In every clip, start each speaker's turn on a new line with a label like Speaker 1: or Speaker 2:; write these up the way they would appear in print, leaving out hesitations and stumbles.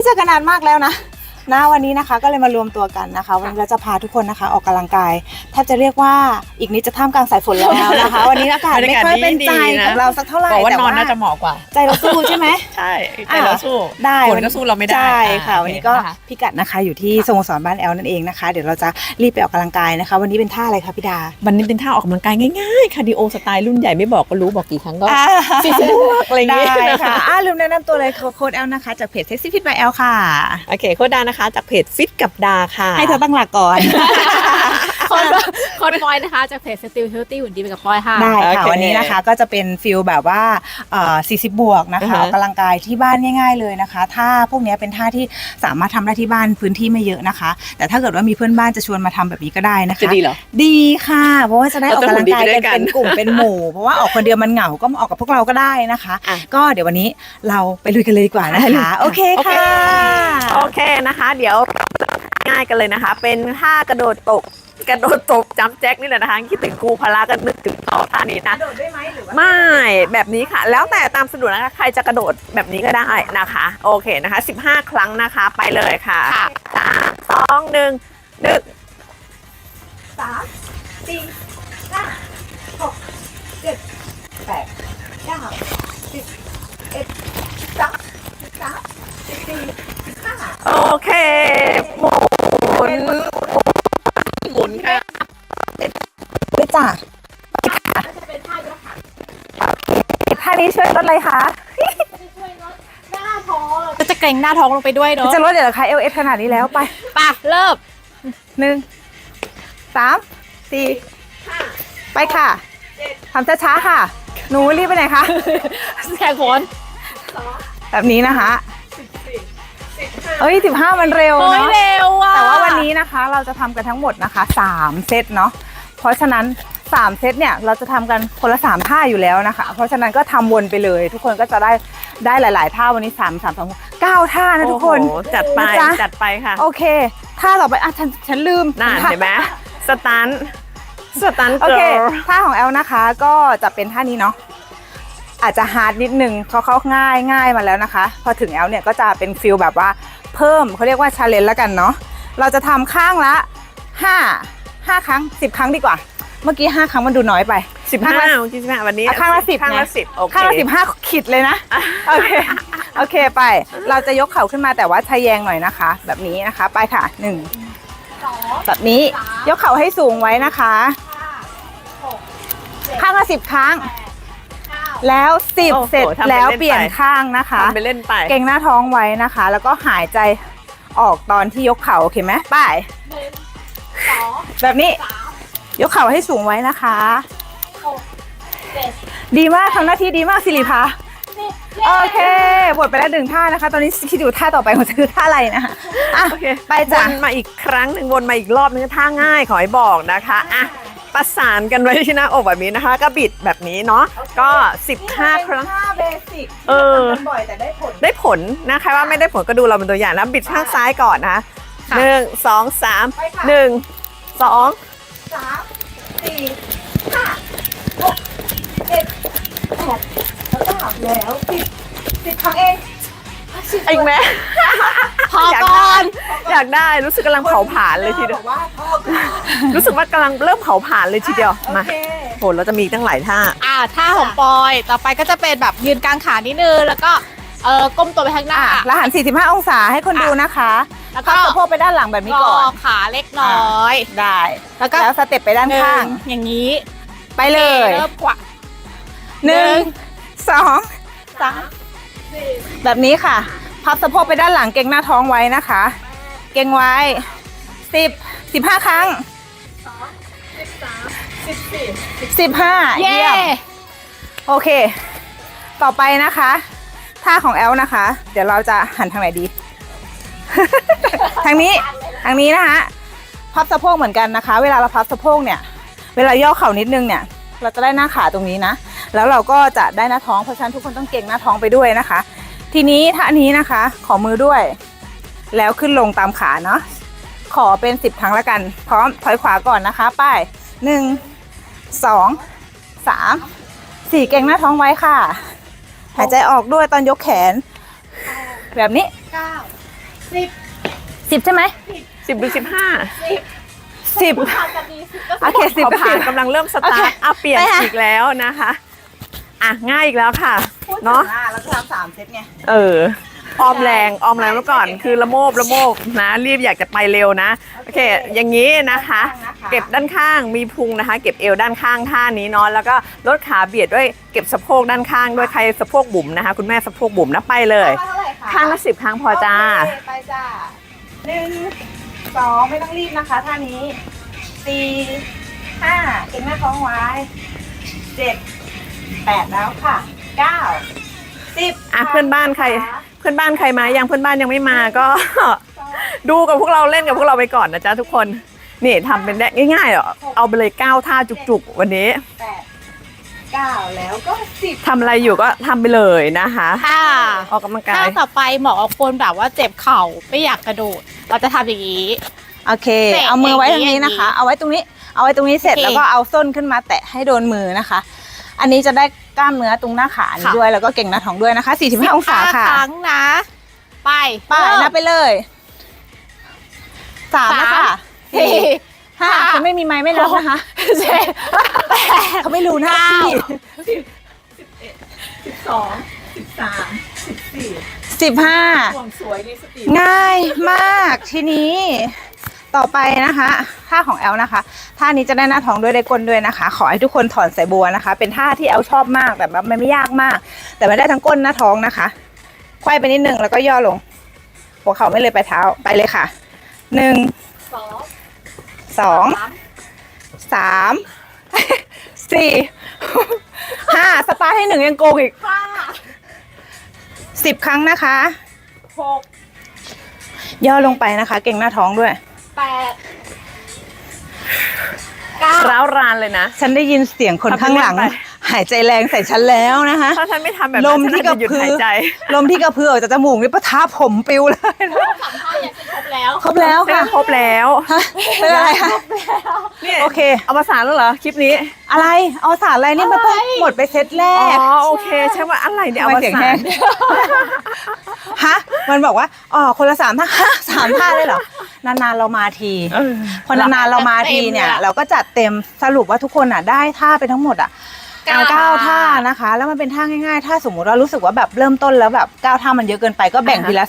Speaker 1: อกันนานมากแล้วนะวันนี้นะคะก็เลยมารวมตัวกันนะคะวันนี้เราจะพาทุกคนนะคะออกกำลังกายแทบจะเรียกว่าอีกนิดจะท่ามกลางสายฝนแล้วนะคะวันนี้อากาศไม่ค่อยเป็นใจกับเราสักเท่าไหร่
Speaker 2: แต่ว่านอนน่าจะเหมาะกว่า
Speaker 1: ใจเราสู้ใช่ไหม
Speaker 2: ใช่ใจเราสู้
Speaker 1: ได้
Speaker 2: ฝนก็สู้เราไม่ได้
Speaker 1: ใช่ค่ะวันนี้ก็พิกัดนะคะอยู่ที่สโมสรบ้านแอลนั่นเองนะคะเดี๋ยวเราจะรีบไปออกกำลังกายนะคะวันนี้เป็นท่าอะไรคะพี่ดา
Speaker 2: วันนี้เป็นท่าออกกำลังกายง่ายๆคาร์ดิโอสไตล์รุ่นใหญ่ไม่บอกก็รู้บอกกี่ครั้งก็40 บวกอะไรอย่างเงี้ย
Speaker 1: ได้ค่ะลืมแนะนำตัวเลยโค้ดแอลนะคะจากเพจ Sexy Fit by L ค่ะ
Speaker 2: โอเคโค้ดดานะคะจากเพจฟิตกับดาค่ะ
Speaker 1: ให้เธอตั้งหลักก่อน
Speaker 3: คนปอยนะคะจากเพจ Still Healthy หุ่นดีไปกับปอยค่ะ
Speaker 1: ได้ค่ะวันนี้นะคะก็จะเป็นฟิลแบบว่า40 บวกนะคะออกกำลังกายที่บ้านง่ายๆเลยนะคะท่าพวกนี้เป็นท่าที่สามารถทำได้ที่บ้านพื้นที่ไม่เยอะนะคะแต่ถ้าเกิดว่ามีเพื่อนบ้านจะชวนมาทำแบบนี้ก็ได้นะคะ
Speaker 2: จะดีเหรอ
Speaker 1: ดีค่ะเพราะว่าจะได้ออกกำลังกายกันเป็นกลุ่มเป็นหมู่เพราะว่าออกคนเดียวมันเหงาก็มาออกกับพวกเราก็ได้นะคะก็เดี๋ยววันนี้เราไปลุยกันเลยดีกว่านะคะโอเคค่ะ
Speaker 2: โอเคนะคะเดี๋ยวง่ายกันเลยนะคะเป็นท่ากระโดดตกจัมป์แจ็คนี่แหละนะคะคิดถึงครูพละก็นึกถึงต่อท่านี้นะ
Speaker 1: กระโดดได้ไหมหรือว่า
Speaker 2: ไม่แบบนี้ค่ะแล้วแต่ตามสะดวกนะคะใครจะกระโดดแบบนี้ก็ได้นะคะโอเคนะคะ15 ครั้งนะคะไปเลยค่ะ3 2 1
Speaker 1: 3 4 5 6 7 8 9 10 11 12 13 14 15
Speaker 2: โอเคหมุนค่ะ
Speaker 1: ไปจ้ะท่านี้ช่วยลดอะไรคะ
Speaker 3: จะเกร็งหน้าท้องลงไปด้วยเนาะ
Speaker 1: จะลดเดี๋ยวคะLS ขนาดนี้แล้วไป
Speaker 3: เริ่ม
Speaker 1: 1 3 4 ไปค่ะทำช้าๆค่ะหนูรีบไปไหนคะ
Speaker 3: แข่งฝน
Speaker 1: แบบนี้นะคะ15มันเร็วเนาะ
Speaker 3: เร็วอ่ะ
Speaker 1: แต่ว่าวันนี้นะคะเราจะทำกันทั้งหมดนะคะ3 เซตเนาะเพราะฉะนั้น3 เซตเนี่ยเราจะทำกันคนละ3 ท่าอยู่แล้วนะคะเพราะฉะนั้นก็ทำวนไปเลยทุกคนก็จะได้หลายๆท่าวันนี้3 2 9 ท่านะทุกคน
Speaker 2: จัดไปค่ะ
Speaker 1: โอเคท่าต่อไปฉันลืม
Speaker 2: น่าเห็นไหมสตัน
Speaker 1: โอเคท่าของแอลนะคะก็จะเป็นท่านี้เนาะอาจจะฮาร์ดนิดนึงเขาง่ายมาแล้วนะคะพอถึงแอลเนี่ยก็จะเป็นฟิลแบบว่าเพิ่มเขาเรียกว่าชาเลนจ์แล้วกันเนาะเราจะทำข้างละ5 ครั้ง10 ครั้งดีกว่าเมื่อกี้5 ครั้งมันดูน้อยไป
Speaker 2: 15วันนี้
Speaker 1: ข้างละ10
Speaker 2: ข้างละ10โอเค
Speaker 1: ข้างละ15ขีดเลยนะโอเคไปเราจะยกเข่าขึ้นมาแต่ว่าทะแยงหน่อยนะคะแบบนี้นะคะไปค่ะ1แบบนี้ยกเข่าให้สูงไว้นะคะข้างละ10 ครั้งแล้ว10 เสร็จแล้วเปลี่ยนข้างนะคะ
Speaker 2: ไปเล่นไป
Speaker 1: เกร็งหน้าท้องไว้นะคะแล้วก็หายใจออกตอนที่ยกเข่าโอเคไหมไปแบบนี้ยกเข่าให้สูงไว้นะคะดีมากทำหน้าที่ดีมากสิริภาโอเคหมดไปแล้ว1 ท่านะคะตอนนี้คิดอยู่ท่าต่อไปของจะคือท่าอะไรนะคะ
Speaker 2: โอเคไปจ้ะวนมาอีกครั้งหนึ่งวนมาอีกรอบนึงท่าง่ายขอให้บอกนะคะประสานกันไว้ที่หน้าอกแบบนี้นะคะก็บิดแบบนี้เนาะก็15 ครั้ง
Speaker 1: เบสิกบ่อยแต่
Speaker 2: ได้ผลนะคะว่าไม่ได้ผลก็ดูเราเป็นตัวอย่างแล้วบิดข้างซ้ายก่อนนะ1 2 3 1 2
Speaker 1: 3 4 5 6 7 8 แล้ว10 ครั้งเอง
Speaker 2: อีกไหม
Speaker 3: พอก่อน
Speaker 2: อยากได้รู้สึกกำลังเผาผลาญเลยทีเดียวรู้สึกว่ากำลังเริ่มเผาผลาญเลยทีเดียวมาโหเราจะมีตั้งหลายท่า
Speaker 3: ท่าของปอยต่อไปก็จะเป็นแบบยืนกลางขานิดนึงแล้วก็ก้มตัวไปข้างหน้า
Speaker 1: แล้วหัน45 องศาให้คนดูนะคะแล้วก็สะโพกไปด้านหลังแบบนี้ก่อน
Speaker 3: ขาเล็กน้อย
Speaker 1: ได้แล้วสเต็ปไปด้านข้าง
Speaker 3: อย่างนี้
Speaker 1: ไปเลย
Speaker 3: เริ่มกว่า
Speaker 1: 1 2 3แบบนี้ค่ะพับสะโพกไปด้านหลังเกร็งหน้าท้องไว้นะคะเกร็งไว้15 ครั้ง15เยี่ยมโอเคต่อไปนะคะท่าของแอลนะคะเดี๋ยวเราจะหันทางไหนดี ทางนี้นะคะพับสะโพกเหมือนกันนะคะเวลาเราพับสะโพกเนี่ยเวลาย่อเข่านิดนึงเนี่ยเราจะได้หน้าขาตรงนี้นะแล้วเราก็จะได้หน้าท้องเพราะฉะนั้นทุกคนต้องเกร็งหน้าท้องไปด้วยนะคะทีนี้ท่านี้นะคะขอมือด้วยแล้วขึ้นลงตามขาเนาะขอเป็น10 ครั้งแล้วกันพร้อมถอยขวาก่อนนะคะไป1 2 3 4เกร็งหน้าท้องไว้ค่ะหายใจออกด้วยตอนยกแขนแบบนี้ 10 ใช่ไหม
Speaker 2: 10 หรือ
Speaker 1: 10
Speaker 3: ผ่านจากนี้10ก็
Speaker 1: โอเค
Speaker 2: 15ขอผ่านกำลังเริ่มสตาร์ทเปลี่ยน
Speaker 1: ไปค่ะ
Speaker 2: อีกแล้วนะคะอ่ะง่ายอีกแล้วค่ะเนาะ
Speaker 1: เราจะทำ3 เซตไง
Speaker 2: ออมแรงไว้ก่อนคือละโมบนะรีบอยากจะไปเร็วนะโอเคอย่างนี้นะคะ เก็บด้านข้างมีพุงนะคะ เก็บเอวด้านข้างท่านี้เนาะแล้วก็ลดขาเบียดด้วยเก็บสะโพกด้านข้างด้วยใครสะโพกบุ๋มนะคะคุณแม่สะโพกบุ๋มนะไปเลย
Speaker 1: เท่าไหร่คะ
Speaker 2: ข้างละ10 ครั้งพอจ้า
Speaker 1: โอเคไปจ้า1 2ไม่ต้องรีบนะคะท่านี้4 5เก่งหน้าท้องไว้7 8แล้วค่ะ9 10
Speaker 2: อ่ะเพื่อนบ้านใครมายังเพื่อนบ้านยังไม่มาก็ ดูกับพวกเราเล่นกับพวกเราไปก่อนนะจ๊ะทุกคนนี่ทำเป็นได้ง่ายๆเหรอเอาไปเลย9 ท่าจุกๆวันนี้
Speaker 1: 8 9แล้วก็10
Speaker 2: ทำอะไรอยู่ก็ทำไปเลยนะคะ
Speaker 3: ค่ะ
Speaker 2: ออกกำลังกา
Speaker 3: ถ้าย ต่อไปเหมาะกับคนแบบว่าเจ็บเข่าไม่อยากกระโดด เราจะทำอย่างนี้
Speaker 1: โอเค
Speaker 3: เตะ
Speaker 1: เอามือไว้ตรงนี้นะคะ เอาไว้ตรงนี้เสร็จ
Speaker 3: โอเค
Speaker 1: แล้วก็เอาส้นขึ้นมาแตะให้โดนมือนะคะ อันนี้จะได้กล้ามเนื้อตรงหน้าขานี้
Speaker 3: ค่ะ
Speaker 1: ด้วยแล้วก็เก่งหน้าท้องด้วยนะคะ45องศาค่ะ
Speaker 3: ครั้งนะ ไป
Speaker 1: ไปนับไปเลย3นะคะ
Speaker 3: สี่
Speaker 1: 5เขาไม่มีไม้ไม่นับนะคะ
Speaker 3: เจ็ดแปด
Speaker 1: เขาไม่รู้หน้าที่ 15ง่ายมากทีนี้ต่อไปนะคะท่าของแอลนะคะท่านี้จะได้หน้าท้องด้วยได้ก้นด้วยนะคะ ขอให้ทุกคนถอนสายบัวนะคะ เป็นท่าที่แอลชอบมากแต่แบบมันไม่ยากมาก แต่ไม่ได้ทั้งก้นหน้าท้องนะคะไขว้ไปนิดนึงแล้วก็ย่อลงหัวเข่าไม่เลยไปเท้าไปเลยค่ะ1 2 3 4 5สตาร์ทให้1ยังโกงอีก10 ครั้งนะคะย่อลงไปนะคะ เก่งหน้าท้องด้วย
Speaker 2: ร้าวรานเลยนะ
Speaker 1: ฉันได้ยินเสียงคนข้างหลัง
Speaker 2: ทำไปเล่นไป
Speaker 1: หายใจแรงใส่ฉันแล้วนะคะ
Speaker 2: ถ้าฉันไม่ทำแบบ
Speaker 1: ล
Speaker 2: นั้น
Speaker 1: ม
Speaker 2: ฉัน
Speaker 1: ที่
Speaker 2: น่าจะ
Speaker 1: กระ
Speaker 2: หยุด
Speaker 1: พือ
Speaker 2: หายใจ
Speaker 1: ลมที่กระพือออกจากจมูกนี่ปะทะผมปิวเลยนะ
Speaker 3: สามท่ายังครบแล้ว
Speaker 1: ครบแล้ว
Speaker 2: ใช่ไหม
Speaker 1: ค่ะ
Speaker 2: ครบแล้ว
Speaker 1: ฮะเป็นอะไรคะ
Speaker 2: นี่
Speaker 1: โอเค
Speaker 2: เอามาสารแล้วเหรอคลิปนี้
Speaker 1: อะไรเอาสารอะไรนี่มันต้องหมดไปเซตแร
Speaker 2: อ๋
Speaker 1: ก
Speaker 2: อโอเคใช่ว่าอะไรเนี่ย
Speaker 1: ทำ
Speaker 2: เอา
Speaker 1: ไม
Speaker 2: มา
Speaker 1: เสียง
Speaker 2: สา
Speaker 1: แห้
Speaker 2: รง
Speaker 1: ฮะมันบอกว่าอ๋อคนละ3 ท่าฮะ3 ท่าเลยเหรอนานๆเรามาที พอนานๆเรามาทีเนี่ย เราก็จัดเต็มสรุปว่าทุกคนอ่ะได้ท่าไปทั้งหมดอ่ะ9 ท่านะคะ แล้วมันเป็นท่าง่ายๆ ถ้าสมมุติเรารู้สึกว่าแบบเริ่มต้นแล้วแบบ9 ท่ามันเยอะเกินไปก็แบ่งทีละ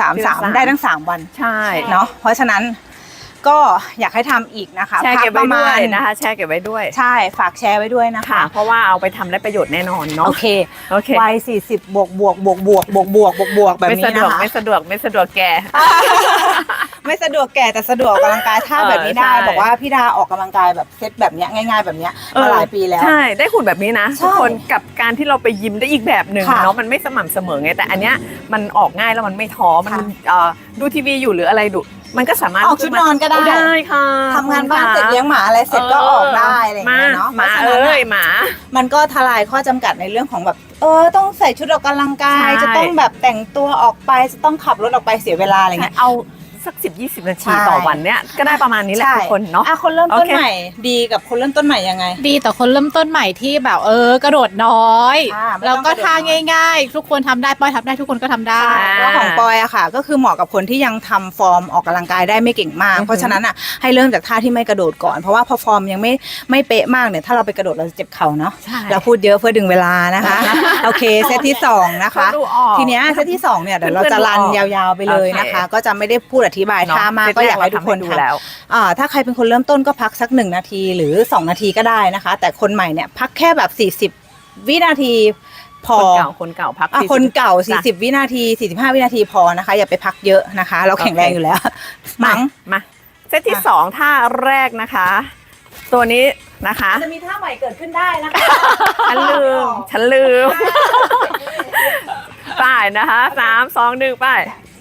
Speaker 1: 3 ได้ทั้ง3 วัน
Speaker 2: ใช่
Speaker 1: เนาะเพราะฉะนั้นก็อยากให้ทำอีกนะคะ
Speaker 2: แชร์เก็บไว้
Speaker 1: พั
Speaker 2: ด้วย
Speaker 1: ณ
Speaker 2: นะคะแชร์เก็บไว้ด้วย
Speaker 1: ใช่ฝากแชร์ไว้ด้วยนะคะ
Speaker 2: ค่ะ เพราะว่าเอาไปทำได้ประโยชน์แน่นอนเนาะ
Speaker 1: โอเค
Speaker 2: โอเค
Speaker 1: วัย40บวกแบบ
Speaker 2: ไม่
Speaker 1: นี้
Speaker 2: สะด
Speaker 1: นะ
Speaker 2: วก
Speaker 1: คะ
Speaker 2: ไม่สะดวกไม่สะดวกแก
Speaker 1: ไม่สะดวกแก่แต่สะดวกออกกำลังกายท่าแบบนี้ได้
Speaker 2: ใช่
Speaker 1: บอกว่าพี่ดาออกกำลังกายแบบเซตแบบเนี้ยง่าย ๆ แบบเนี้ยมาหลายปีแล้ว
Speaker 2: ใช่ได้หุ่นแบบนี้นะ
Speaker 1: ใช่
Speaker 2: ทุกคนกับการที่เราไปยิมได้อีกแบบหนึ่ง
Speaker 1: ค่ะ
Speaker 2: เนาะมันไม่สม่ำเสมอไงแต่อันเนี้ยมันออกง่ายแล้วมันไม่ท้อมัน
Speaker 1: ค่ะ
Speaker 2: ดูทีวีอยู่หรืออะไรดูมันก็สามารถ
Speaker 1: ออกชุดนอนก็ได้
Speaker 2: ได้ค่ะ
Speaker 1: ทำงานบ้านเสร็จเลี้ยงหมาอะไรเสร็จก็ออกได้อะไรอย่างเงี้ยเนาะ
Speaker 2: หมา
Speaker 1: เพระฉะนั้น
Speaker 2: เอ้ย
Speaker 1: อะ
Speaker 2: หมา
Speaker 1: มันก็ทลายข้อจำกัดในเรื่องของแบบต้องใส่ชุดออกกำลังกาย
Speaker 2: ใช่
Speaker 1: จะต้องแบบแต่งตัวออกไปจะต้องขับรถออกไปเสียเวลาอะไรเงี้ย
Speaker 2: เอาสัก10-20 นาที
Speaker 1: ใช่
Speaker 2: ต่อวันเนี้ยก็ได้ประมาณนี้แหละทุกคนเนาะ
Speaker 1: คนเริ่มต้น
Speaker 2: โอเค
Speaker 1: ใหม่ดีกับคนเริ่มต้นใหม่ยังไง
Speaker 3: ดีแต่คนเริ่มต้นใหม่ที่แบบกระโดดน้อย
Speaker 1: ไม่ต้อง
Speaker 3: แล้วก็
Speaker 1: กระโดด
Speaker 3: ท่า
Speaker 1: น้อย
Speaker 3: ง่ายๆ ทุกคนทำได้ปอยทำได้ทุกคนก็ทำได้
Speaker 1: แล้วของปอยอะค่ะ ก็คือเหมาะกับคนที่ยังทำฟอร์มออกกำลังกายได้ไม่เก่งมาก เพราะฉะนั้นอะให้เริ่มจากท่าที่ไม่กระโดดก่อนเพราะว่าพอฟอร์มยังไม่เป๊ะมากเนี่ยถ้าเราไปกระโดดเราจะเจ็บเข่าเนาะ
Speaker 2: ใช่
Speaker 1: เราพูดเยอะเพื่อดึงเวลานะคะ โอเคเซตที่2นะคะ
Speaker 2: เขาดูออก
Speaker 1: ทีเนี้ยเซตที่2เนี่ยเดี๋ยวเราจะรันยาวๆไปเลยนะคะ ก็จะไม่ได้พูดอธิบายท่ามากก็อยากให้ทุกคน
Speaker 2: ดู
Speaker 1: ทำ
Speaker 2: แล้ว
Speaker 1: ถ้าใครเป็นคนเริ่มต้นก็พักสัก1 นาทีหรือ2 นาทีก็ได้นะคะ แต่คนใหม่เนี่ยพักแค่แบบ40 วินาทีพอ
Speaker 2: คนเก่าพัก
Speaker 1: อ่ะ
Speaker 2: 40
Speaker 1: คนเก่า
Speaker 2: จ้ะ
Speaker 1: 40 วินาที 45 วินาทีพอนะคะ อย่าไปพักเยอะนะคะ เราแข็งแรงอยู่แล้ว มั้ง
Speaker 2: มาเซตที่2ท่าแรกนะคะ ตัวนี้นะคะ
Speaker 1: จะมีท่าใหม่เกิดขึ้นได้นะคะ
Speaker 2: ฉันลืมไป้ายนะคะ3 2 1ไป้าย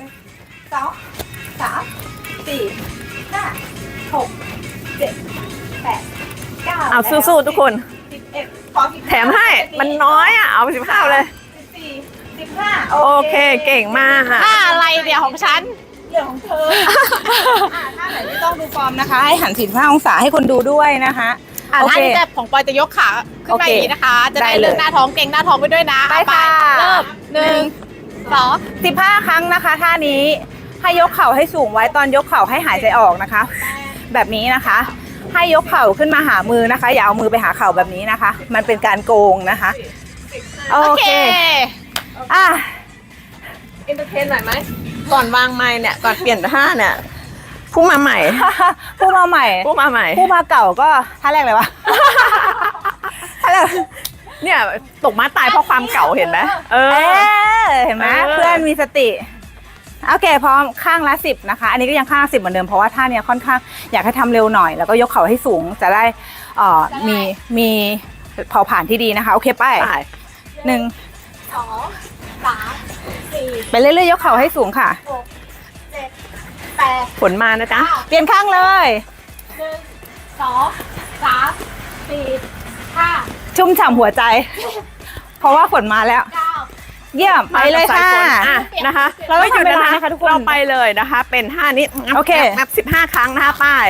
Speaker 1: 2 3 4 5 6 7 8 9
Speaker 2: เอาสู้ๆทุกคน
Speaker 1: 11ขอ15
Speaker 2: แถมให้มันน้อยอ่ะเอาไป15เลย
Speaker 1: 14 15
Speaker 2: โอเคเก่งมากค่ะ
Speaker 3: ท่าอะไรเดี๋ยวของฉัน
Speaker 1: เรื่องของเธอท่าไหนไม่ต้องดูฟอร์มนะคะ ให้หัน45 องศาให้คนดูด้วยนะคะ โอ
Speaker 3: ท่า
Speaker 1: เค
Speaker 3: นี้จะของปอยจะยกขาขึ้นมาอย่างนี้นะคะ จะได้
Speaker 1: ได้เลย
Speaker 3: เรื่องหน้าท้องเก่งหน้าท้องไปด้วยนะ
Speaker 1: ไป
Speaker 3: เอา
Speaker 1: ค่ะ
Speaker 3: เริ่ม1 2
Speaker 1: 15 ครั้งนะคะท่านี้ให้ยกเข่าให้สูงไว้ตอนยกเข่าให้หายใจออกนะคะ แบบนี้นะคะ ให้ยกเข่าขึ้นมาหามือนะคะ อย่าเอามือไปหาเข่าแบบนี้นะคะ มันเป็นการโกงนะคะโอ
Speaker 3: โอ
Speaker 1: เค
Speaker 3: เค
Speaker 1: อ่ะ
Speaker 2: เอนเตอร์เทนหน่อยไหมก่อนวางไม้เนี่ยก่อนเปลี่ยนท่าเนี่ยผู้มาใหม่
Speaker 1: ผู้มาใหม่
Speaker 2: ผู้มาใหม่
Speaker 1: ผู้มาเก่าก็ท่าแรกเลยวะ ท่าแรก
Speaker 2: เนี่ยตกม้าตายเพราะความเก่าเห็นไหม
Speaker 1: เห็นไหม
Speaker 2: เออ
Speaker 1: เพื่อนมีสติโอเคพร้อมข้างละ10นะคะอันนี้ก็ยังข้างละ10เหมือนเดิมเพราะว่าท่าเนี้ยค่อนข้างอยากให้ทำเร็วหน่อยแล้วก็ยกเข่าให้สูงจะได้มีเผาผ่านที่ดีนะคะโอเคไป
Speaker 2: ไป
Speaker 1: หนึ่ง
Speaker 3: 2 3 4
Speaker 1: ไปเรื่อยๆยกเข่าให้สูงค่ะ
Speaker 3: 6 7 8
Speaker 2: ผลมานะจ๊ะ
Speaker 1: เปลี่ยนข้างเลย
Speaker 3: 1 2 3 4 5
Speaker 1: ชุ่มฉ่ำหัวใจ เพราะว่าฝนมาแล้ว
Speaker 3: 9
Speaker 1: เยี่ยมไปเลยค่ะ
Speaker 2: นะคะ
Speaker 1: เราต้อง
Speaker 2: ไม่หยุด
Speaker 1: ทำเวลา
Speaker 2: นะ
Speaker 1: นะคะทุกคน
Speaker 2: เราไปเลยนะคะ เป็นท่านี้
Speaker 1: โอเค
Speaker 2: นับ15 ครั้งนะคะป้าย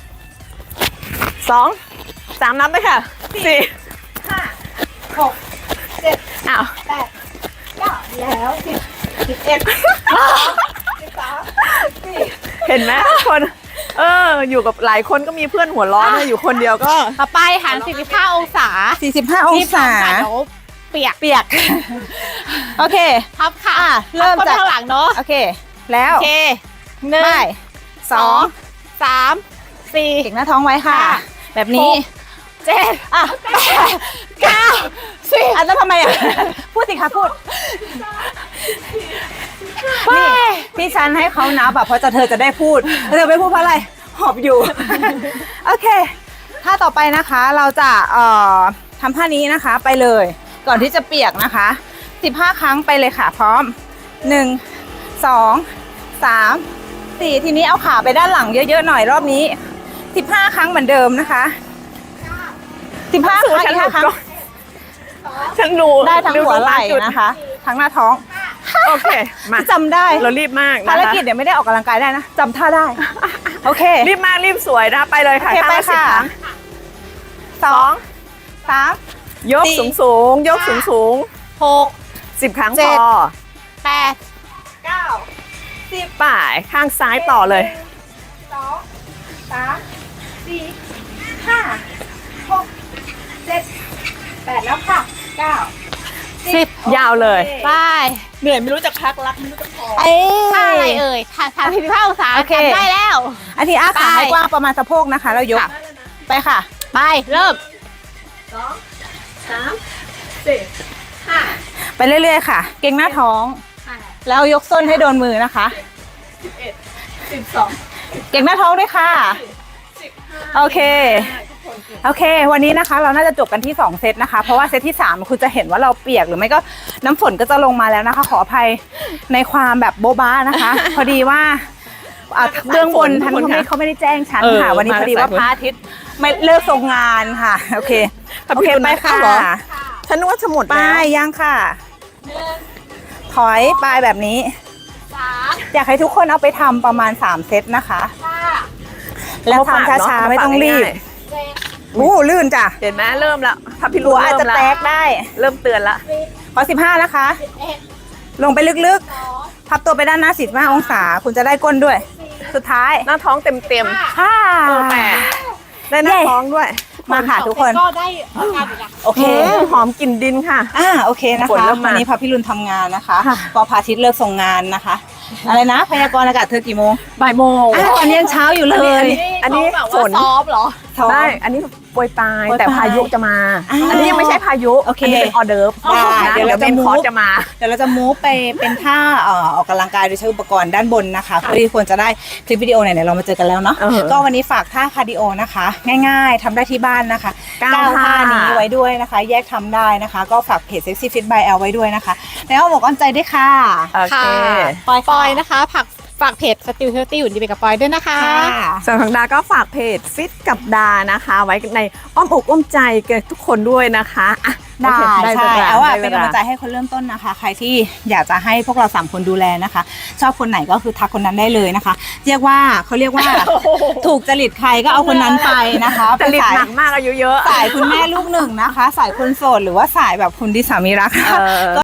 Speaker 2: 2 3นับเลยค่ะ4
Speaker 3: 5 6 7
Speaker 2: อ้าว
Speaker 3: 8 9แล้ว10 11
Speaker 2: เห็นไหมคนอยู่กับหลายคนก็มีเพื่อนหัวร้อนนะอยู่คนเดียวก็
Speaker 3: ต่อไปหัน45 องศา
Speaker 1: 45องศา
Speaker 3: เดี๋ยวเปียก
Speaker 1: เปียก โอเค
Speaker 3: พับค่ะ
Speaker 1: อ่ะเริ่ม
Speaker 3: พับ
Speaker 1: จาก
Speaker 3: ข้างหลังเนาะ
Speaker 1: โอเค แล้ว
Speaker 3: โอเคหนึ่ง
Speaker 1: ไปสอง
Speaker 3: 3 4
Speaker 1: เก่งหน้าท้องไว้ค่ะ
Speaker 3: ค่ะ
Speaker 1: แบบนี้
Speaker 3: 7
Speaker 1: อ่ะ
Speaker 3: 8 9 10
Speaker 1: อ่ะแล้วทำไมอ่ะ พูดสิคะพูด นี่ที่ฉันให้เขานับแบบเพราะเธอจะได้พูดแล้วเธอไม่พูดเพราะอะไร หอบอยู่ โอเคท่าต่อไปนะคะเราจะทำท่านี้นะคะไปเลย ก่อนที่จะเปียกนะคะ15 ครั้งไปเลยค่ะ พร้อม 1 2 3 4ทีนี้เอาขาไปด้านหลังเยอะๆหน่อยรอบนี้15 ครั้งเหมือนเดิมนะคะ15 ครั้งอีก5 ครั้ง
Speaker 2: ฉันดู
Speaker 1: ได้ทั้งหัวไหล่
Speaker 2: จุด
Speaker 1: นะคะ ทั้งหน้าท้อง
Speaker 2: โอเคมา
Speaker 1: จำได้
Speaker 2: เรารีบมากนะคะ
Speaker 1: ภารกิจเดี๋ยวไม่ได้ออกกำลังกายได้นะจำท่าได้ โอเค
Speaker 2: รีบมากรีบสวยนะไปเลยค่ะ
Speaker 1: โอเค
Speaker 2: ท่า
Speaker 1: ไป
Speaker 2: ละ10
Speaker 1: ค่ะ
Speaker 2: ครั้ง
Speaker 1: 2 3
Speaker 2: ยก
Speaker 1: สี่
Speaker 2: สูงยกสูง
Speaker 3: 6
Speaker 2: 10 ครั้ง
Speaker 1: เจ็
Speaker 2: พ
Speaker 1: ด
Speaker 2: อ
Speaker 3: 8
Speaker 1: 9
Speaker 2: ป่ายข้างซ้ายต่อเลย
Speaker 1: 2 3 4 5 6 7 8แล้วค่ะ9
Speaker 3: 10
Speaker 2: ยาวเลย
Speaker 3: ไป
Speaker 2: เหนื่อยไม่รู้จะพักรักไม่รู้จะพอ
Speaker 1: เอ้
Speaker 3: ท่าอะไร
Speaker 1: ย
Speaker 3: เอ่ยท่า45 องศา
Speaker 1: โอเค
Speaker 3: ทำได้แล้ว
Speaker 1: อันที่อ้าขา
Speaker 3: ไป
Speaker 1: ให้กว้างประมาณสะโพกนะคะแล้วยก
Speaker 3: ค่ะ
Speaker 1: ไปค่ะ
Speaker 3: ไป เริ่ม
Speaker 1: ไปเรื่อยๆค่ะ เก่งหน้าท้อง แล้วยกส้นให้โดนมือนะคะ เก่งหน้าท้องด้วยค่ะ โอเค โอเค วันนี้นะคะ เราน่าจะจบกันที่2เซตนะคะ เพราะว่าเซตที่3คุณจะเห็นว่าเราเปียกหรือไม่ก็น้ำฝนก็จะลงมาแล้วนะคะ ขออภัยในความแบบโบ๊ะบ้านะคะ พอดีว่าเบื้องบนท่านเขาไม่ได้แจ้งฉันค่ะ วันนี้พอดีว่าพระอาทิตย์ไม่เลิกทรงงานค่ะ โอเค โอเคไปค่ะ
Speaker 2: ฉันนึกว่าจะหมด
Speaker 1: ไป
Speaker 2: แล้ว
Speaker 1: ยังค่ะ ถอยไปแบบนี้
Speaker 3: 3
Speaker 1: อยากให้ทุกคนเอาไปทำประมาณ3เซตนะคะ
Speaker 3: 5
Speaker 1: แล้วทำช้าๆไม่ต้องรีบ
Speaker 3: 7
Speaker 1: อู้ลื่นจ้ะ
Speaker 2: เห็นไหมเริ่มแล้วถ้าพี่
Speaker 1: หั
Speaker 2: รู้
Speaker 1: วอาจ
Speaker 2: เริ่
Speaker 1: จะ
Speaker 2: มแล้ว
Speaker 1: แตกได้
Speaker 2: เริ่มเตือนละ
Speaker 1: ขอ15นะคะ
Speaker 3: 11
Speaker 1: ลงไปลึกๆ พับตัวไปด้านหน้า45 องศา คุณจะได้ก้นด้วย สุดท้าย
Speaker 2: หน้าท้องเต็ม
Speaker 1: ฮ่า
Speaker 2: แปดได้หน้าท้องด้วย
Speaker 1: มาค่ะทุกคน
Speaker 3: ก็ได้อาการอยู่นะ
Speaker 1: โอเค
Speaker 2: หอมกลิ่นดินค่ะ
Speaker 1: โอเคนะ
Speaker 2: ฝน
Speaker 1: คะ
Speaker 2: เริ่มมา
Speaker 1: วันนี้พระพี่รุนทำงานนะคะก็พระอาทิตย์เลิกส่งงานนะคะ อะไรนะ พยากรณ์อากาศเธอกี่โมง
Speaker 2: บ่ายโมง
Speaker 1: ตอนนี้ยังเช้าอยู่เลย
Speaker 2: อันนี้
Speaker 3: เขาแบบ
Speaker 2: ฝ
Speaker 3: ว่าน ซ้อมเหรอ
Speaker 2: ได้ อันนี้โปรยปลาย
Speaker 1: โปรยปลาย
Speaker 2: แต่พายุจะมา
Speaker 1: อ้าว
Speaker 2: อันนี้ยังไม่ใช่พายุ
Speaker 1: โอเค
Speaker 2: นนี้เป็นออเดิร์ฟ
Speaker 1: ได้
Speaker 2: นะ
Speaker 1: เดี๋ยวเราจะ
Speaker 2: เมนคอร์ส
Speaker 1: move
Speaker 2: จะมา
Speaker 1: เดี๋ยวเราจะมูฟไปเป็นท่าออกกำลังกายโดยใช้อุปกรณ์ด้านบนนะคะเพื่อที่ควรจะได้คลิปวิดีโอไหนๆเรามาเจอกันแล้วเนาะ
Speaker 2: เออ
Speaker 1: ก็วันนี้ฝากท่าคาร์ดิโอนะคะ ง่ายๆทำได้ที่บ้านนะคะ
Speaker 2: เก้า
Speaker 1: ท่า
Speaker 2: ท่า
Speaker 1: นี้ไว้ด้วยนะคะ แยกทำได้นะคะ ก็ฝากเพจ Sexy Fit by L ไว้ด้วยนะคะแล้วเอาหมวกอ้อมใจด้วยค่ะ
Speaker 2: โอเค
Speaker 3: ค่ะปอยนะคะฝากเพจ Still Healthy อยู่ดีไปกับปอยด้วยนะคะ
Speaker 2: ส่วนของดาก็ฝากเพจฟิตกับดานะคะ ไว้ในอ้อมอกอ้อมใจกับทุกคนด้วยนะคะอ่ะ
Speaker 1: ได้
Speaker 2: โอเค
Speaker 1: ใช่
Speaker 2: วล
Speaker 1: เอาว่า
Speaker 2: ได้
Speaker 1: เป็น
Speaker 2: ว
Speaker 1: กำลังใจให้คนเริ่มต้นนะคะ ใครที่อยากจะให้พวกเรา3คนดูแลนะคะ ชอบคนไหนก็คือทักคนนั้นได้เลยนะคะ เรียกว่าเขาเรียกว่าถูกจริตใครก็เอาคนนั้นไปนะคะ
Speaker 2: จริต
Speaker 1: เป็นสาย
Speaker 2: หนักมากอายุเยอะ
Speaker 1: สายคุณแม่ลูกหนึ่งนะคะ สายคนโสดหรือว่าสายแบบคุณที่สามีรัก
Speaker 2: เออ